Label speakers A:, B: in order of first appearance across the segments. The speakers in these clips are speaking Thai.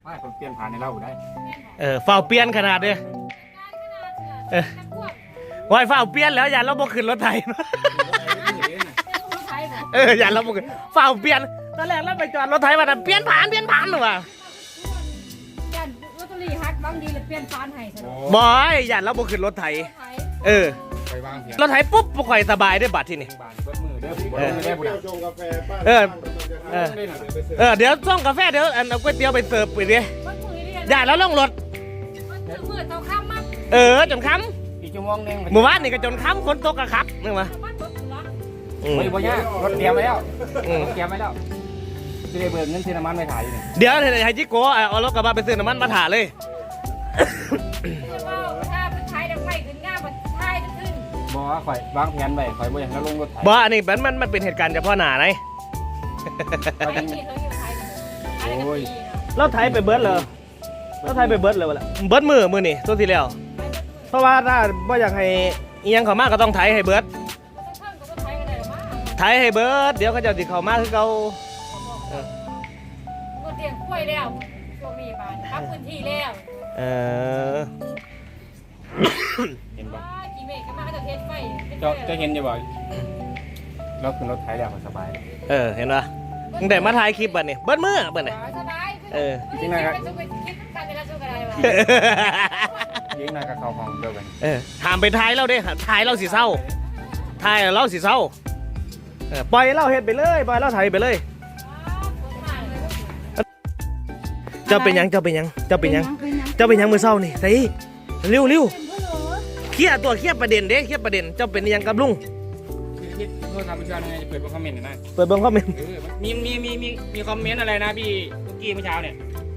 A: ให้ผมเปลี่ยนผ่านในเราได้
B: ฝ้าเปลี่ยนขนาดเด้วายฝ้าเปลี่ยนแล้วอย่าเราบ่ขึ้นรถไถอย่าเราบ่ขึ้นฝ้าเปลี่ยนตอนแรกเราไปจอดรถไถว่าเปลี่ยนผ่านหรือว่า
C: ยันรถตุลีฮักบางทีเลยเปลี่ยนผ่านให้
B: บอยอย่าเราบ่ขึ้นรถไถ
A: ไปวางเสียง
B: รถไถปุ๊บบ่ค่อยสบายได้บัดที่นี่เดี๋ยวส่งกาแฟเดี๋ยวเอาก๋วยเตี๋ยวไปเสิร์ฟไปดิอย่าแล้วลงรถ
C: มือเตาข้ามมั้ง
B: จนค่ำ
A: อีกชั่วโมงนึง
B: เมื่อวานนี่ก็จนค่ำฝนตกกะครับนึกมา
A: ไม่บ่ยากรถเตรียมไว้แล้วจะได้เบิกเงินซื้อน้ำมันไปถ่ายอยู่
B: เดี๋ยวให้จิโก้เอารถกระบะไปซื้อน้ำมันมาถ่ายเลย
C: ถ้าเป็นไทยดังไม่ขึ้นง่ายมันไทยจะขึ้น
A: บอกว่าข่อยวางแผนไว้ข่อยบ่อยากแล้วลงรถไถ
B: บ่อันนี้มันเป็นเหตุการณ์เฉพาะหน้าไง
A: โอ้ย
B: เราไถไปเบิร์ดเลยเราไถไปเบิร์ดเลยวะเบิร์ดมือนี่ตัวที่แล้วเพราะว่าถ้าบ่อยากให้อีหยังเข้ามาก็ต้องไถให้เบิร์ดไถให้เบิร์ดเดี๋ยวเขาจะติดเข้ามาคือเขา
C: ก็เตรียมกล้วยแล้วช่วงนี้บ้านพักพื้นที่แล้ว
A: เห็นป่ะ
C: กี่เมฆก็มาก็จะเทสไฟ
A: จะเห็นจะบอกเราขึ้นรถไถแล้วสบาย
B: เห็นป่ะตั้งแต่มาถ่ายคลิปบัดนี่เบิร์ดมือบัดนี่
C: สบาย
A: จริงนะครับยิงนายกับเขาของเดียวกัน
B: ถามไปถ่ายเราเด้ถ่ายเราสิเศร้าถ่ายเราสิเศร้าปล่อยเราเฮ็ดไปเลยปล่อยเราถ่ายไปเลยเจ้าเป็นยังมือเศร้านี่สิเร็วเครียดประเด็นเด้เครียดประเด็นเจ้าเป็นยังกับลุง
A: โทษครับพี่ชายจะเปิดคอมเมนต์หน่อย
B: เปิดเบิ้งคอมเมนต์
A: มีคอมเมนต์อะไรนะพี่ตุ๊กกี้เมื่อเช้าเนี่ย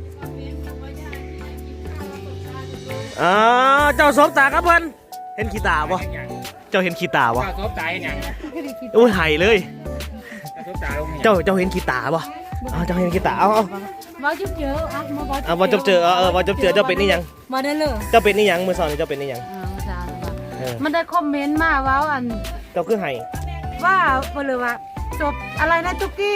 B: เจ้าสบตาครับเพิ่นเห็นขี้ตาบ่เจ้าเห็นขี้ตาบ่
A: เจ้าสบตาเห็นยัง
B: อุ้ยหายเลย
A: เจ้า
B: เห็นขี้ตาบ่เจ้าเห็นขี้ตาเอา
C: มาจุ๊บเจอ
B: มาจุ๊บเจอมาจุ๊บเจอเจ้าเป็นนี่ยัง
C: มาได้เลย
B: เจ้าเป็นนี่ยังมือสอนเจ้าเป็นนี่ยัง
C: มันได้คอมเมนต์มาว่าอัน
B: เจ้าคือไห้
C: ว่าหรือว่าจบอะไรนะจุกกี้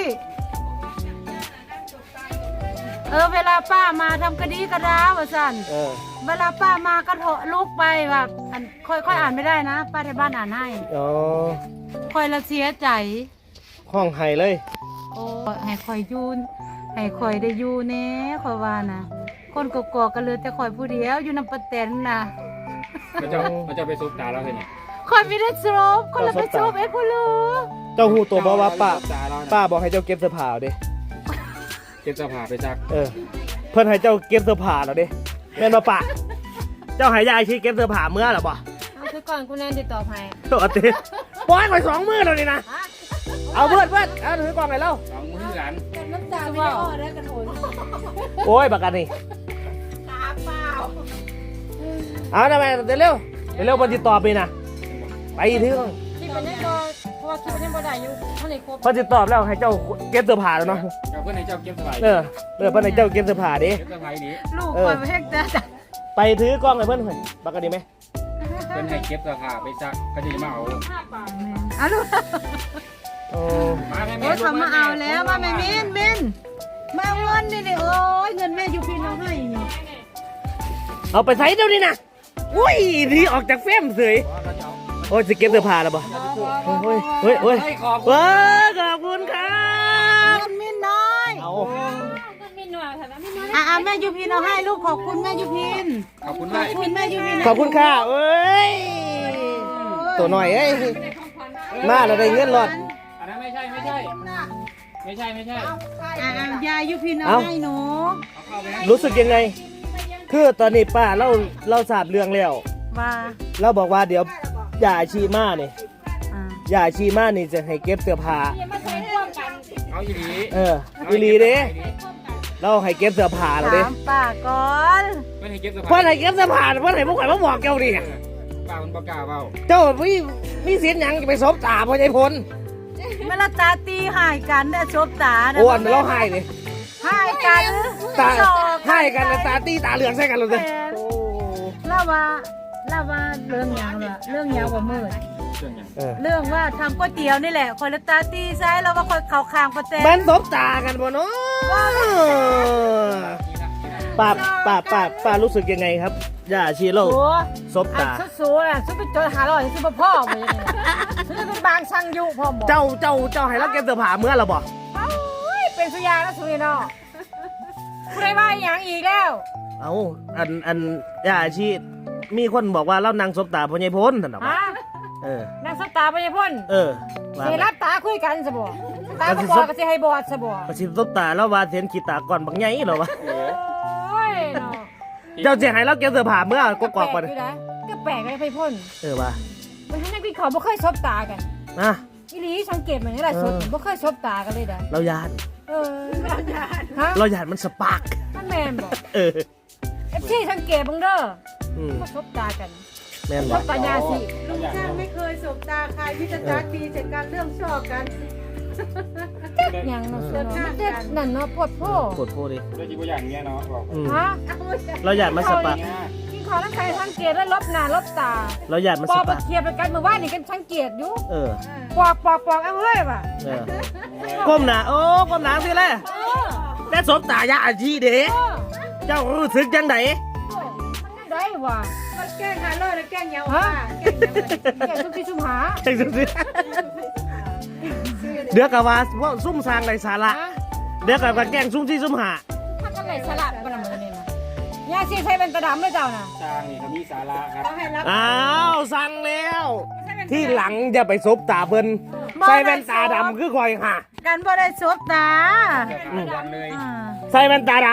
C: เวลาป้ามาทำคดีกระดาว่าสั่นเวลาป้ามาก็โถลุกไปแบบค่อยอ่านไม่ได้นะป้าที่บ้านอ่านให้ค่อยละเสียใจ
B: ห้องไห้เลย
C: โอ้ให้ค่อยยูนให้ค่อยได้ยูแน่ค่อยว่านะคนกกอกกันเลยแต่ค่อยผู้เดียวอยู่น้ำปะเต็นนะ
A: มันจะไปซุปตาแล้วใช่ไหม
C: ค่อยไม่ได้ซบคนละไปซบคุณลูก
B: เจ้าหูตัวบอกว่าป้าบอกให้เจ้าเก็บเสื้อผ้าดิ
A: เก็บเสื้อผ้าไปซัก
B: เพื่อนให้เจ้าเก็บเสื้อผ้าแล้วดิแม่นบ่ปะเจ้าหายยาชีเก็บเสื้อผ้าเมื่อหรอปะ
C: คือก่อนคุณแนนติดต่อให้
B: ตัวติปล่อยไป2 มือแล้วนี่นะเอาเพื่อนเอาถือกล่องไหนเล่า
A: 2 มือหลาน
C: น้ำตาไม่ได้อได้กระโถน
B: โอ้ยบักกันนี่
C: ตาเปล่า
B: เอาทำไมเร็วบนติดต่อไปนะไปที่ห้อง
C: ที่เป็นยังบ่เพราะว่าคิดว่ายังบ่ได้อยู่เท่าไหร่ครบ
B: พอติดต่อแล้วให้เจ้าเก็บเสื้อผ้าแล้วเนาะ
A: เพื่อนให้เจ้าเก็บเสื้อผ้า
B: เพื่อนให้เจ้าเก็บเสื้อผ้าดิ
C: ลูกคอยไปเฮ็ดจ้ะ
B: ไปถือกล้องให้เพื่อนบักกันดีไหม
A: เพื่อนให้เก็บเสื้อผ้าไปซักก็จะมาเอา
C: ลูกโอ้ทำมาเอาแล้วมาไม่มินมาเงินนี่โอ้ยเงินแม่ยูพินเอาให้
B: เอาไปใส่เดี๋ยวนี้นะอุ้ยที่ออกจากเฟรมเสยโอ้ยจะเก็บเสื้อผ้าแล้วป่ะเฮ้ยขอบคุณครับ
C: มินน้อย
B: เอา
C: มินน้อยค่ะแม่ยูพินเอาให้ลูกขอบคุณแม่ยูพิน
A: ขอบคุณแม่
C: ยูพิน
B: ขอบคุณค่ะเอ้ยตัวหน่อยเอ้ยมาเราได้เงินหลอด
A: อันนั้นไม่ใช่
C: ยายูพินเอาให้หนู
B: รู้สึกยังไงคือตอนนี้ป้าเราทราบเรื่องแล้ว
C: ว่า
B: เราบอกว่าเดี๋ยวอย่าชีมาเนี่ยอย่าชีมานี่จะให้เก็บเสื้อผ้า
A: เอาอีหลี
B: อีหลีเด้เราให้เก็บเสื้อผ้าเราเด้
C: ป้าก่อน
B: เพื่อนให้เก็บเสื้อผ้าเพื่อนให้พวกข่อยมาบอกเจ้าดิ
A: ป้ามันประกาศเปล่า
B: เจ้ามีเสียงยังจะไปซบตาพ่อใจพล
C: เวลาตาตีหายกันได้ซบตา
B: โอ้อันเราหายเลย
C: หายกัน
B: ตาให้กันตาตีตาเหลืองใส่กันเลย
C: เล่าว่าเรื่องยาวกว่ามืดเรื่องว่าทำก๋วยเตี๋ยวนี่แหละคอยละตาตีใช่แล้วว่าคอยเข่าคางประเตน
B: มันซบตากันบ่เนาะป้ารู้สึกยังไงครับย่าชีโร่
C: โอ้
B: ซบ
C: อัน
B: ตา
C: สู้ๆน่ะสู้ไปจอยหา100สู้บ่พ่อบ่ยังไงสู้เป็นบางช่างอยู่พ่อหมอ
B: เจ้าให้เราเก็บเสื้อผ้าเมื่อเราบอก
C: เอ้ยเป็นสุยาแล้วสุยเนาะผู้ใดว่าอย่างอีกแล้ว
B: เอาอันย่าชีมีคนบอกว่าเรานางซบตาพ่อใหญ่พ้นท่านบอกว่า
C: ฮะ
B: เออน
C: างสบตาไปยังพ่น
B: ว่า
C: สิรับตาคุยกันซะบ่ตาบ่บอดก็สิให้บอดซะบ่
B: ประชิดซบตาแล้วว่าเสียนขีตาก่อนบักใหญ่เหรอวะ
C: โอ้ยเนาะ
B: เจ้าเสียให้เราเก็บเสื้อผ้าเมื่อก็กอกไป
C: แปลอยู่นะก็แปลกเลยไปพ่น
B: ว่า
C: มันให้นักวิเคราะห์บ่เคยซบตากัน
B: นะ
C: อีหลีสังเกตมันนี่แหละสดบ่เคยซบตากันเลยเด้อ
B: เรายาน
C: ฮะ
B: เรายานมันสปาร์ก
C: มันแม่นบ่
B: เออ
C: FC สังเกตเบิ่งเด้อ
B: อืม
C: บ่ซบตากัน
B: แม่น
C: ซ
B: บ่
C: บตายาสิ
D: ลุงช่างไม่เคยสบตาใครพิจารณาดีเสร็จการเรื่องชอบกัน
C: หยังเนาะส่วนมันเด็ดนั่นเนาะปวดโพ
B: ปวดโพดิ
A: ด้วยจีบอย่างเงี้ยเนาะบอก
B: อืม
C: ฮะ
B: เรายานมันสปาร์ก
C: กินข้าวน้ำไข่สังเกตแล้วลบหน้าลบตา
B: เรายานมัน
C: ป
B: ส
C: อก
B: ปา
C: มา
B: ร์ก
C: เคลียร์ไปกันเมื่อวานนี่กันสังเกตอยู่
B: เออ
C: ปอกเอาเฮ้ยว่ะ
B: เออก้มหน้าโอ้ก้มหน้าสิแหละ
C: เออ
B: แต่ซบตายาอาชีเด้
C: เออ
B: เจ้ารู้สึกจังได
C: มันได้ว่ะ
D: มันแกล้งหาเลยแล้วแกล้งเยา
C: ฮะ
D: ว่าแกล้งเยาว่า
C: แกสุกี้ชุมหา
B: จังสิเดี๋ยวกับว่าซุ่มสร้างในสาระ
C: ฮะ
B: เดี๋ยวกับว่าแกล้งซุ่มที่ซุ่มหา
C: ถ้ากันไหนสลับกันน่ะมื้อนี้นะยาสิใช้เป็นตะดำเลยเจ้าน่ะ
A: สร้างนี่เขามีสาระครับ
D: ต้องให้รับ
B: อ้าวสั่งแล้ว ที่หลังจะไปซบตาเพิ่นใส่แว่นตาดำคือคอยหา
C: กันบ่ได้ซบตา
A: วันเลย
C: อ่า
B: ใส่แว่นตาด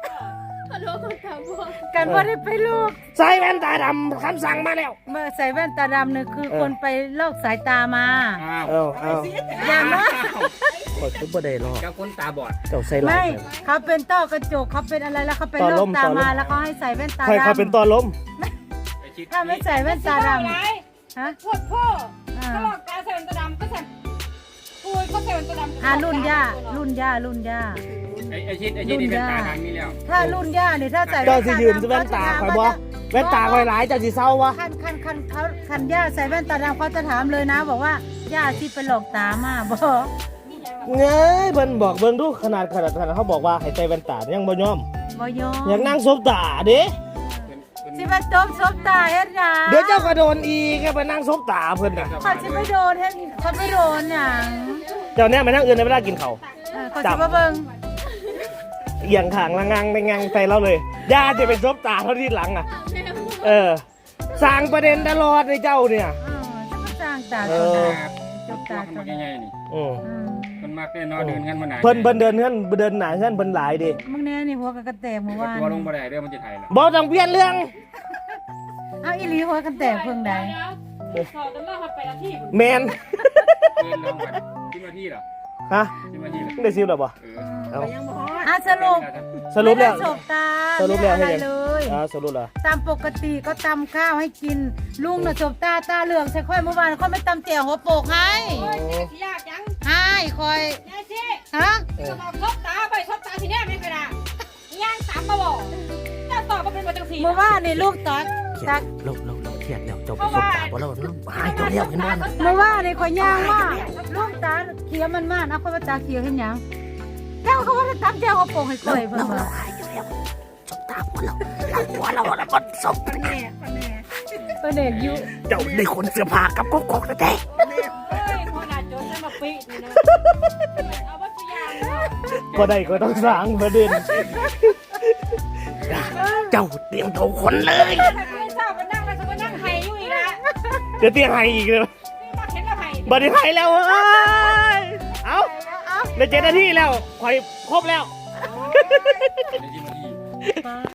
C: กันบ่ได้ไปลูก
B: ำใส่แว่นตาดำคำสั่งมาแล้ว
C: เมื่อใส่แว่นตาดำเนี่ยคือ
B: เออ
C: คนไปลอกสายตามา
A: อ้าว
B: เอา
C: อย่ามา
B: คอยซุปเปอร์ได้หรอก
A: เจ้าคนตาบอด
B: เจ้าใส่ลา
C: ไม่
B: ย
C: เขาเป็นต้อกระจกเขาเป็นอะไรแล้วเขาไป
B: ต่อ
C: ล
B: ล
C: อก
B: ม
C: ตา
B: ต่อลม
C: มาแล้วเขาให้ใส่แว่นตา
B: ใคร
C: ดำ
B: เขาเป็นตัวล้ม
A: ไปชิด
C: ถ้าไม่ใส่แว่นตาดำฮะ
D: ปวดพ่อ
C: อ่า
D: ตลอดการใส่แว่นตาดำก็ใส่ปูยก็ใส่แว่นตาดำ
C: อ่ารุ่นย่า
A: ไอชิดนี่เป็นตาดังนี่แล้ว
C: ถ้ารุ่นย่าเนี่ยถ้าใส่
B: เจ้าสิยืนแว่นตาคอยบ่แว่นตาคอยหลายเจ้าสิเศร้าวะ
C: คันย่าใส่แว่นตาดำเขาจะถามเลยนะ บอกว่าย่าที่ไปหลอกตามาบอก
B: เงยเพิ่นบอกเบิ่งดูขนาดเขาบอกว่าให้ใส่แว่นตายังบ่ยอม
C: บอยอ
B: อยากนั่งซบตาเด้
C: สิมาจมซบตาเฮ็ดหยัง
B: เดี๋ยวเจ้าก็โดนอีกไปนั่งซบตาเพิ่นน่ะ
C: เขาจะไม่โดนเฮ็ดเขาไม่โดนหยัง
B: เจ้าเนี่ยมานั่งอื่นในเวลากินข้าว
C: เขาจะมาเบิ่ง
B: เอียงขางละงังไปงังใส่เราเลยย่าจะไปซบตาเขาที่หลังอ่ะ เออสร้างประเด็นตลอดในเจ้าเนี่ย
C: จะมาสร้างตา
B: เอ
C: ตัว
B: อ
C: ไหน
A: จบตาคนยังไงนี่
B: อืม
A: คนมากแน่นอนเดินกันมาไหน
B: เพิ่นเดินเฮือนเดินหนาเฮือนเพิ่นหลายดิ
C: มึงแน่นี่หัวกันแตกเมื่อวาน
A: ตัวลงมาได้เรื่องมันจะไทยแล้ว
B: บ่ต้องเปลี่ยนเรื่อง
C: เอาอีหลีหัวกันแตกเพิ่งใด
D: สอบกันมาไปละที่
B: แมน
A: เดินลงกันที่มาที่เหรอ
B: ฮะ
A: ที่มาที่เหรอ
B: ได้ซิวหรอบ่
A: เออ
B: เอา
D: ยังบ่ฮอด
C: อ่ะสรุป
B: สรุปแล้ว
C: ไม่ได้สบตา
B: สรุปแล้ว
C: ไม่
B: ให้
C: อะไร
B: ยัง
C: เลย
B: สรุปแล้ว
C: ตามปกติก็ตำข้าวให้กิน ลุงน่ะสบตาเหลืองใส่ค่อยเมื่อวานค่อยไม่ตำแจ่วหัวโปกให้
D: โอ้ยเจ๊สิยากยัง
C: ให้ค่อย
D: ยายเจ๊
C: ฮะ
D: จะมาซบตาไปซบตาทีเนี้ยไม่เคยได้ย่างตามมาบอกจะตอบมาเป็นมาจังสี
C: เมื่อวานนี่ลูกตัก
B: เราเครียดแล้วเจ้าไปซบตาบ่เราหายตัวเดียวเห็นบ่
C: เมื่อวานนี่ข่อยย่างมากลูกตาเขียวมันมากนะค่อยมาตาเขียวเห็นหยังเจ้าเขาว่าจะตำแจ่วหัวโปกให้ค่อยเพิ่นว่า
B: หายตัวเดียวซบตาหัวเราหัวเราบ่ซบ
D: แน่แน่
C: เพิ่นเด็กอยู่
B: เจ้าได้คนเสื้อผ้ากับกกแท้
D: เฮ้ยคนอาจจะจะมาปีนี่นะเอาวัตถุยางเนาะ
B: บ่ได้ก็ต้องสร้างประเด็นเจ้าเตรียมโทรคนเลย
D: ถ้าไม่ทราบก็นั่งแล้วก็นั่งไห้อยู่อีกละ
B: เดี๋ยวเตียงให้อีกเลย
D: นี่มาเห็นแล้วไห้
B: บ่ได้ให้แล้วเอ้ยเอาได้7 นาทีแล้วข่อยครบแล้ว
A: ในที่มาที่